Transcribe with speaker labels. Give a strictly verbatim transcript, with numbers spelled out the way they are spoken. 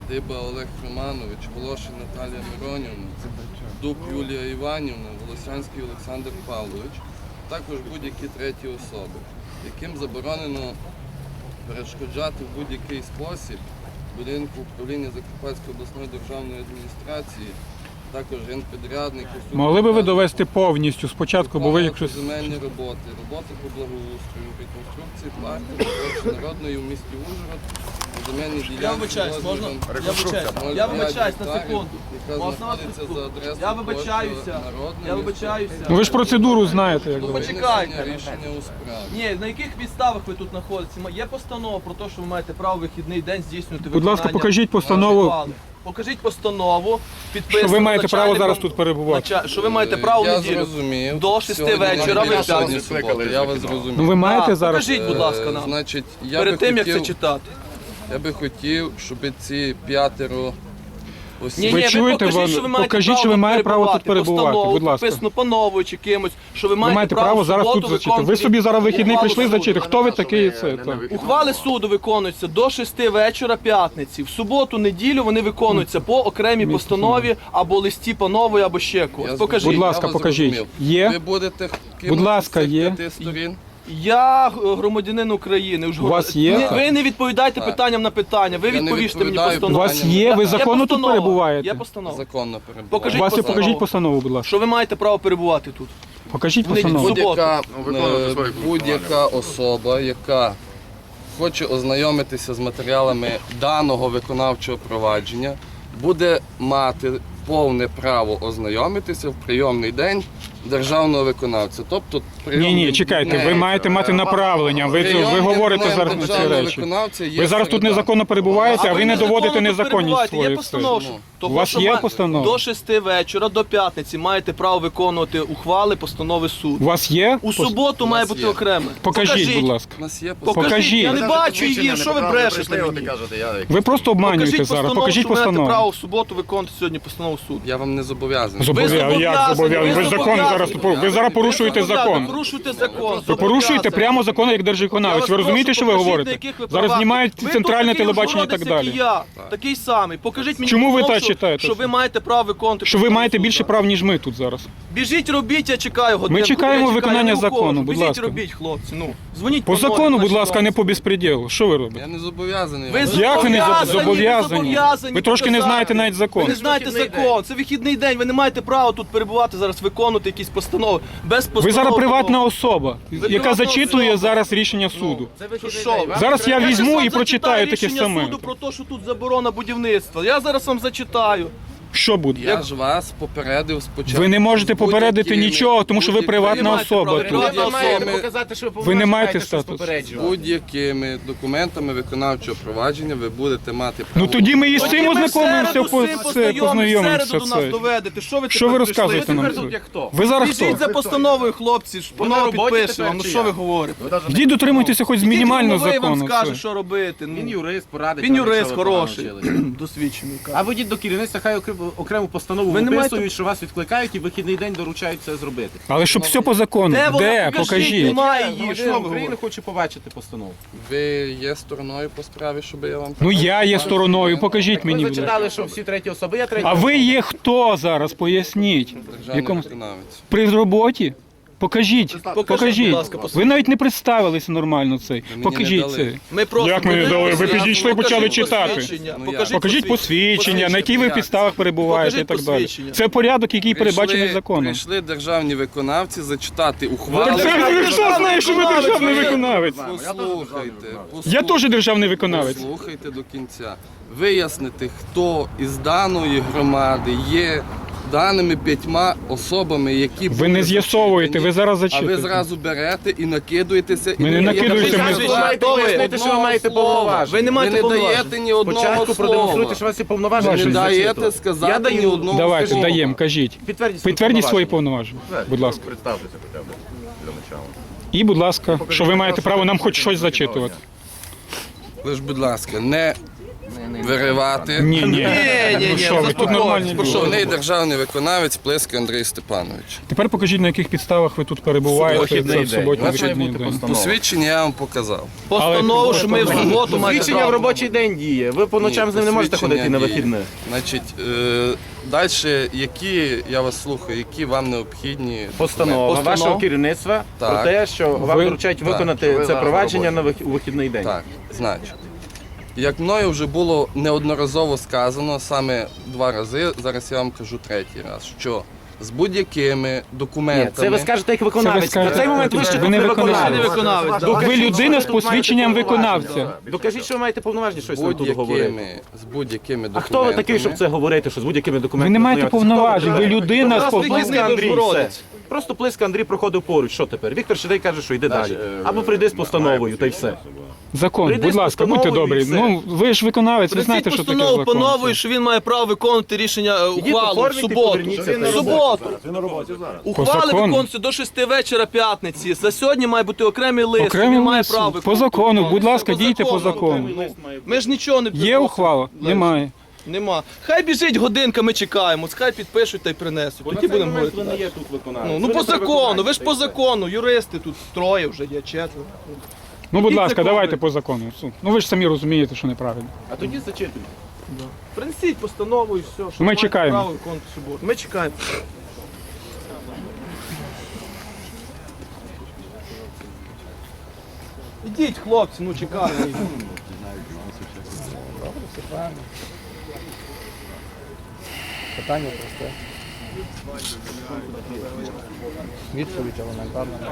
Speaker 1: Диба Олег Романович, Волошин Наталія Миронівна, Дуб Юлія Іванівна, Волосянський Олександр Павлович, також будь-які треті особи, яким заборонено перешкоджати в будь-який спосіб будинку управління Закарпатської обласної державної адміністрації, також генпідрядник.
Speaker 2: Могли би ви довести повністю спочатку, бо ви якщо...
Speaker 1: земельні роботи, роботи по благоустрою, реконструкції парку, народної в місті Ужгород, земельні ділянки.
Speaker 3: Я вибачаюсь, можна? Я вибачаюсь, я вибачаюсь на секунду. Можна вас секунду? Я вибачаюся, я вибачаюся.
Speaker 2: Ну ви ж процедуру знаєте, як
Speaker 3: Ну
Speaker 2: говорять.
Speaker 3: почекайте.
Speaker 1: Рішення у справі.
Speaker 3: Ні, на яких підставах ви тут знаходитеся? Є постанова про те, що ви маєте право вихідний день здійснювати
Speaker 2: Будь ласка,
Speaker 3: виконання
Speaker 2: покажіть постанову.
Speaker 3: ухвали. Покажіть постанову, підписану
Speaker 2: Що ви маєте право
Speaker 3: начальником-
Speaker 2: зараз тут перебувати.
Speaker 3: нача- Що ви маєте право в
Speaker 1: Я
Speaker 3: неділю
Speaker 1: зрозумів.
Speaker 3: до шести
Speaker 1: Сьогодні
Speaker 3: вечора ви
Speaker 1: неділя, сьогодні
Speaker 3: п'ятницю.
Speaker 1: субота, я вас зрозумів.
Speaker 2: Ну ви маєте
Speaker 3: Так,
Speaker 2: зараз...
Speaker 3: покажіть, будь ласка,
Speaker 1: Е,
Speaker 3: нам.
Speaker 1: Значить, я
Speaker 3: Перед
Speaker 1: би
Speaker 3: тим, як це
Speaker 1: хотів,
Speaker 3: читати.
Speaker 1: я би хотів, щоб ці п'ятеро осіб...
Speaker 3: Ні,
Speaker 2: Ви
Speaker 3: ні,
Speaker 2: чуєте,
Speaker 3: покажіть,
Speaker 2: вам-
Speaker 3: що ви маєте
Speaker 2: покажіть,
Speaker 3: право
Speaker 2: що ви
Speaker 3: тут
Speaker 2: маєте право тут перебувати,
Speaker 3: Постанову,
Speaker 2: будь ласка.
Speaker 3: підписану пановою чи кимось, що ви
Speaker 2: Ви
Speaker 3: маєте,
Speaker 2: маєте право
Speaker 3: в
Speaker 2: зараз
Speaker 3: суботу
Speaker 2: тут зачити.
Speaker 3: виконувати
Speaker 2: Ви собі зараз вихідний
Speaker 3: ухвалу
Speaker 2: прийшли
Speaker 3: суду.
Speaker 2: зачити. Хто ви такий і це? так.
Speaker 3: Ухвали суду виконуються до шести вечора п'ятниці. В суботу, неділю вони виконуються по окремій постанові або листі панової, або ще
Speaker 1: Я
Speaker 3: когось.
Speaker 1: з-
Speaker 3: Покажіть.
Speaker 2: Будь
Speaker 1: я
Speaker 2: ласка,
Speaker 1: вас
Speaker 2: покажіть.
Speaker 1: зрозумів.
Speaker 2: Є?
Speaker 1: Ви будете
Speaker 2: Будь ласка, є.
Speaker 1: п'яти сторін?
Speaker 3: Я е, громадянин України. Уж
Speaker 2: У вас є?
Speaker 3: Не- Ви не відповідаєте
Speaker 1: Так.
Speaker 3: питанням на питання, ви
Speaker 1: Я не
Speaker 3: відповісте мені
Speaker 1: відповідаю.
Speaker 2: У
Speaker 3: постанову.
Speaker 2: вас є? Ви законно тут
Speaker 3: постанова.
Speaker 2: перебуваєте?
Speaker 3: Є постанова.
Speaker 1: Законно перебуває.
Speaker 3: Покажіть
Speaker 2: У вас є
Speaker 3: постанову.
Speaker 2: покажіть постанову, будь ласка.
Speaker 3: Що ви маєте право перебувати тут?
Speaker 2: Покажіть
Speaker 3: Вони
Speaker 2: постанову.
Speaker 3: суботу.
Speaker 1: Будь-яка,
Speaker 4: виконувати
Speaker 1: е,
Speaker 4: свої
Speaker 1: будь-яка особа, яка хоче ознайомитися з матеріалами даного виконавчого провадження, буде мати повне право ознайомитися в прийомний день державного виконавця. Тобто,
Speaker 2: Ні,
Speaker 1: прийомний
Speaker 2: ні, чекайте, ви
Speaker 1: день.
Speaker 2: маєте мати направлення. Ви, ви
Speaker 1: Прийомний
Speaker 2: говорите
Speaker 1: день
Speaker 2: зараз на ці
Speaker 1: державного
Speaker 2: речі.
Speaker 1: виконавця є
Speaker 2: Ви зараз тут
Speaker 1: середа.
Speaker 2: незаконно перебуваєте, а ви не
Speaker 3: незаконно
Speaker 2: доводите
Speaker 3: тут
Speaker 2: незаконність
Speaker 3: перебуваєте. Є
Speaker 2: свою.
Speaker 3: постанова, що-
Speaker 1: Ну.
Speaker 3: того,
Speaker 2: У вас
Speaker 3: що
Speaker 2: є
Speaker 3: ма-
Speaker 2: постанова?
Speaker 3: До шести вечора, до п'ятниці маєте право виконувати ухвали, постанови
Speaker 2: У
Speaker 3: суду.
Speaker 2: вас є?
Speaker 3: У суботу має
Speaker 1: нас
Speaker 3: бути
Speaker 1: є.
Speaker 3: окремо.
Speaker 2: Покажіть, будь ласка.
Speaker 1: У нас є
Speaker 3: Покажіть.
Speaker 2: Покажіть.
Speaker 3: Я не бачу її, що ви брешете мені?
Speaker 2: Ви просто обманюєте
Speaker 3: Покажіть
Speaker 2: зараз.
Speaker 3: постанову,
Speaker 2: Покажіть
Speaker 3: що ви маєте право
Speaker 2: постанову.
Speaker 3: в суботу виконувати сьогодні постанову суду.
Speaker 1: Я вам не зобов'язаний.
Speaker 2: Зобов'язаний. Як
Speaker 3: зобов'язані,
Speaker 2: зобов'язаний? Ви
Speaker 3: ви
Speaker 2: закон
Speaker 3: зобов'язані.
Speaker 2: зараз ви зараз порушуєте
Speaker 3: Ви
Speaker 2: закон.
Speaker 3: порушуєте закон.
Speaker 2: Ви порушуєте прямо закон як держвиконавець. Ви розумієте, що ви говорите? Зараз знімають центральне телебачення і так далі.
Speaker 3: Як я, такий самий. Покажіть мені,
Speaker 2: Чому ви
Speaker 3: постанову,
Speaker 2: так
Speaker 3: що-
Speaker 2: читаєте?
Speaker 3: що ви маєте право виконувати.
Speaker 2: Що ви
Speaker 3: постанову
Speaker 2: маєте
Speaker 3: суду.
Speaker 2: більше прав, ніж ми тут зараз.
Speaker 3: Біжіть, робіть, я чекаю годину.
Speaker 2: чекаємо
Speaker 3: Я чекаю,
Speaker 2: виконання
Speaker 3: я не
Speaker 2: закону,
Speaker 3: ухожу.
Speaker 2: будь
Speaker 3: Біжіть,
Speaker 2: ласка.
Speaker 3: робіть, хлопці. Ну, дзвоніть
Speaker 2: По
Speaker 3: номеру,
Speaker 2: закону, будь
Speaker 3: наші
Speaker 2: ласка, не
Speaker 3: номери.
Speaker 2: по безпреділу. Що ви робите?
Speaker 1: Я не зобов'язаний.
Speaker 3: Ви
Speaker 1: вам.
Speaker 2: Як ви не
Speaker 3: зобов'язані,
Speaker 2: зобов'язані?
Speaker 3: ви зобов'язані
Speaker 2: Ви трошки не
Speaker 3: показати.
Speaker 2: знаєте навіть закон.
Speaker 3: Ви не знаєте закон, це вихідний день, ви не маєте права тут перебувати зараз, виконувати якісь постанови. Без постанови.
Speaker 2: Ви зараз приватна особа, яка
Speaker 3: приватна
Speaker 2: зачитує
Speaker 3: особа.
Speaker 2: зараз рішення суду.
Speaker 3: Що?
Speaker 2: Зараз я
Speaker 3: Я
Speaker 2: візьму
Speaker 3: щас вам
Speaker 2: і прочитаю
Speaker 3: зачитаю
Speaker 2: таке
Speaker 3: рішення
Speaker 2: саме.
Speaker 3: суду про те, що тут заборона будівництва. Я зараз вам зачитаю.
Speaker 2: Що буде?
Speaker 1: Я ж вас попередив спочатку.
Speaker 2: Ви не можете
Speaker 1: з
Speaker 2: попередити
Speaker 1: будь-якими-
Speaker 2: нічого, тому що ви
Speaker 1: будь-якими-
Speaker 2: приватна
Speaker 3: Ви маєте
Speaker 2: особа
Speaker 3: право.
Speaker 2: тут.
Speaker 3: Приватна
Speaker 4: Ви маєте
Speaker 1: особи.
Speaker 4: показати, що
Speaker 2: Ви не маєте статус.
Speaker 1: З
Speaker 4: попереджувати.
Speaker 1: будь-якими документами виконавчого провадження ви будете мати право.
Speaker 2: Ну тоді ми і з цим
Speaker 3: Ми в
Speaker 2: ознайомимося,
Speaker 3: середу
Speaker 2: по-
Speaker 3: з цим
Speaker 2: це,
Speaker 3: познайомимося, в
Speaker 2: познайомимося.
Speaker 3: середу до нас
Speaker 2: Це.
Speaker 3: доведете. Що ви
Speaker 2: Що
Speaker 3: тепер
Speaker 2: ви
Speaker 3: прийшли?
Speaker 2: розказуєте нам?
Speaker 4: тепер тут як хто?
Speaker 2: Ви зараз хто?
Speaker 3: Біжіть за постановою, хлопці, ж
Speaker 4: Ви на
Speaker 3: панове
Speaker 4: роботі
Speaker 3: підпише
Speaker 4: тепер
Speaker 3: вам. Ну
Speaker 4: чи
Speaker 3: що
Speaker 4: як?
Speaker 3: ви говорите?
Speaker 2: Тоді дотримуйтеся хоч мінімально
Speaker 3: Він вам
Speaker 2: закону.
Speaker 3: скаже,
Speaker 2: це.
Speaker 3: що робити. Ну,
Speaker 4: Він юрист, порадить.
Speaker 3: Він
Speaker 4: вам, якщо
Speaker 3: юрист
Speaker 4: ви погано
Speaker 3: хороший,
Speaker 4: вчилися.
Speaker 3: досвідчений.
Speaker 4: А ви йдіть до керівництва, хай окрему- окрему постанову
Speaker 3: Ви не
Speaker 4: виписують,
Speaker 3: маєте-
Speaker 4: що вас відкликають і в вихідний день доручають це зробити.
Speaker 2: Але щоб все по закону.
Speaker 3: Де вона?
Speaker 2: Де?
Speaker 3: Покажіть,
Speaker 2: Покажіть.
Speaker 3: немає її.
Speaker 4: Громадянин
Speaker 3: Що ви
Speaker 4: України
Speaker 3: говорите?
Speaker 4: хоче побачити постанову.
Speaker 1: Ви є стороною по справі, щоб я вам...
Speaker 2: Ну я є стороною, покажіть мені.
Speaker 4: Ви
Speaker 2: будь ласка.
Speaker 4: зачитали, що всі треті особи, я третя
Speaker 2: А ви
Speaker 4: особа.
Speaker 2: є хто зараз? Поясніть.
Speaker 1: Державний
Speaker 2: Якому...
Speaker 1: виконавець.
Speaker 2: При роботі? Покажіть,
Speaker 3: будь
Speaker 2: покажіть.
Speaker 3: ласка,
Speaker 2: Ви навіть не представилися нормально цей.
Speaker 1: мені
Speaker 2: Покажіть
Speaker 1: не
Speaker 2: це.
Speaker 1: дали.
Speaker 3: Ми просто
Speaker 2: Як ми не дали? Ви підійшли і почали
Speaker 3: Покажіть
Speaker 2: читати.
Speaker 3: посвідчення,
Speaker 1: Ну,
Speaker 3: покажіть
Speaker 1: як?
Speaker 2: Покажіть посвідчення, на якій ви
Speaker 1: Як?
Speaker 2: підставах перебуваєте і
Speaker 3: Покажіть
Speaker 2: так далі.
Speaker 3: посвідчення.
Speaker 2: Це порядок, який передбачений законом.
Speaker 1: Прийшли державні виконавці зачитати ухвалу.
Speaker 2: Так це ви що знаєш, що ви державний виконавець?
Speaker 1: Послухайте.
Speaker 2: Я теж державний виконавець.
Speaker 1: Послухайте до кінця. Вияснити, хто із даної громади є даними п'ятьма особами, які
Speaker 2: Ви
Speaker 1: були
Speaker 2: не з'ясовуєте, ви зараз
Speaker 1: А ви
Speaker 2: зачитуєте.
Speaker 1: зразу берете і накидуєтеся.
Speaker 2: Ми
Speaker 1: і
Speaker 2: не накидуємося,
Speaker 1: даєте
Speaker 2: ми-
Speaker 1: ні
Speaker 4: Ви маєте
Speaker 3: Хто ви?
Speaker 4: пояснити, що ви
Speaker 1: одного
Speaker 4: маєте
Speaker 1: слова.
Speaker 4: повноваження.
Speaker 3: Ви не маєте
Speaker 1: Ви не
Speaker 3: повноважень.
Speaker 1: даєте ні одного
Speaker 4: Спочатку продемонструйте,
Speaker 1: слова.
Speaker 4: що у вас є повноваження.
Speaker 1: Ви не
Speaker 4: щоб
Speaker 1: даєте
Speaker 4: зачитувати.
Speaker 1: сказати
Speaker 4: Я
Speaker 1: ні
Speaker 4: даю.
Speaker 1: одного
Speaker 2: Давайте,
Speaker 1: слова.
Speaker 2: даємо, кажіть.
Speaker 4: Підтвердіть свої
Speaker 2: Підтвердіть свої
Speaker 4: повноваження.
Speaker 2: повноваження, будь ласка.
Speaker 5: Представтеся хоча б для начала.
Speaker 2: І, будь ласка, що ви маєте право нам хоч щось зачитувати.
Speaker 1: Ви ж, будь ласка, не виривати.
Speaker 2: Ні, ні.
Speaker 3: Ні, ні,
Speaker 2: Ну
Speaker 3: ні,
Speaker 2: що ви, тут
Speaker 3: заспокойтесь,
Speaker 2: нормальні люди.
Speaker 1: Головний державний виконавець Плиска Андрій Степанович.
Speaker 2: Тепер покажіть, на яких підставах ви тут перебуваєте.
Speaker 4: Вихідний
Speaker 2: Це в
Speaker 4: день.
Speaker 2: суботній
Speaker 4: У вас має
Speaker 2: вихідний
Speaker 4: бути
Speaker 2: день.
Speaker 4: постанова.
Speaker 1: Посвідчення я вам показав.
Speaker 3: Постанову, що ми в суботу маємо.
Speaker 4: Свідчення в робочий день діє. Ви по ночам з ним не можете
Speaker 1: посвідчення
Speaker 4: ходити на
Speaker 1: діє.
Speaker 4: вихідних.
Speaker 1: Значить, е, далі, які, я вас слухаю, які вам необхідні
Speaker 4: Постанова
Speaker 3: Постанова.
Speaker 4: вашого керівництва
Speaker 1: Так.
Speaker 4: про те, що вам
Speaker 2: Ви-
Speaker 4: доручають
Speaker 1: Так.
Speaker 4: виконати це провадження на вих- у вихідний день.
Speaker 1: Так, значить. Як мною вже було неодноразово сказано, саме два рази, зараз я вам кажу третій раз, що з будь-якими
Speaker 4: Ні,
Speaker 1: документами...
Speaker 4: це ви скажете як
Speaker 2: Це
Speaker 4: виконавець.
Speaker 2: ви скажете,
Speaker 4: На цей момент ви ще
Speaker 2: ви
Speaker 4: тут
Speaker 2: не
Speaker 4: не
Speaker 2: виконавець.
Speaker 3: Ти не
Speaker 4: виконавець.
Speaker 3: виконавець. да.
Speaker 2: Ви
Speaker 4: Докажіть,
Speaker 2: людина
Speaker 4: що
Speaker 2: з
Speaker 4: ви тут маєте
Speaker 2: посвідченням
Speaker 4: повноваження.
Speaker 2: виконавця.
Speaker 4: Докажіть, що ви маєте повноваження щось
Speaker 1: з
Speaker 4: нам тут говорити.
Speaker 1: будь-якими, з будь-якими
Speaker 4: А
Speaker 1: документами...
Speaker 4: хто ви такий, щоб це говорити, що з будь-якими документами?
Speaker 2: Ви не маєте
Speaker 4: знайомитися?
Speaker 2: повноважень, ви людина з
Speaker 3: Просто
Speaker 2: повноважень.
Speaker 3: вихідний
Speaker 4: Плиска Андрій,
Speaker 3: Богородець.
Speaker 4: все. Просто Плиска Андрій проходив поруч, що тепер? Віктор Шедей каже, що йде далі. Або прийди з постановою, та й все.
Speaker 2: Закон,
Speaker 4: Прийди
Speaker 2: будь
Speaker 4: з
Speaker 2: ласка, будьте
Speaker 4: постановою
Speaker 2: добрі.
Speaker 4: і все.
Speaker 2: Ну, ви ж виконавець, ви
Speaker 3: Принесіть
Speaker 2: знаєте, що таке
Speaker 3: постанову по
Speaker 2: закон.
Speaker 3: новій, що він має право виконувати рішення е, ухвалу в
Speaker 4: оформіть і
Speaker 3: суботу.
Speaker 4: поверніться,
Speaker 3: В
Speaker 4: та й
Speaker 3: суботу. Ухвали
Speaker 2: закону.
Speaker 3: виконуються до шести вечора п'ятниці. За сьогодні має бути окремий лист.
Speaker 2: Окремий
Speaker 3: він має
Speaker 2: лист.
Speaker 3: право
Speaker 2: По
Speaker 3: виконувати.
Speaker 2: закону, будь ласка,
Speaker 3: По
Speaker 2: дійте по закону.
Speaker 3: Ми ж нічого не
Speaker 2: Є
Speaker 3: приносимо.
Speaker 2: ухвала?
Speaker 3: Лист.
Speaker 2: Немає.
Speaker 3: Нема. Хай біжить годинка, ми чекаємо. Хай підпишуть та й принесуть. Тоді будемо говорити.
Speaker 4: Ви не є тут виконавець.
Speaker 3: Ну, ну
Speaker 4: Ви
Speaker 3: по
Speaker 4: не при
Speaker 3: закону,
Speaker 4: виконанні,
Speaker 3: ви ж
Speaker 4: та й
Speaker 3: по
Speaker 4: все.
Speaker 3: закону, юристи тут троє вже є, четверо.
Speaker 2: Ну, будь
Speaker 3: Ідіть
Speaker 2: ласка,
Speaker 3: закони.
Speaker 2: давайте по закону. Ну ви ж самі розумієте, що неправильно.
Speaker 4: А тоді зачитуйте.
Speaker 3: Принесіть постанову і все. що
Speaker 2: Ми
Speaker 3: маєте
Speaker 2: чекаємо.
Speaker 3: право виконувати в суботу. Ми чекаємо. Ідіть, хлопці, ну чекаємо.
Speaker 6: Питання просте. Відповідь елементарна.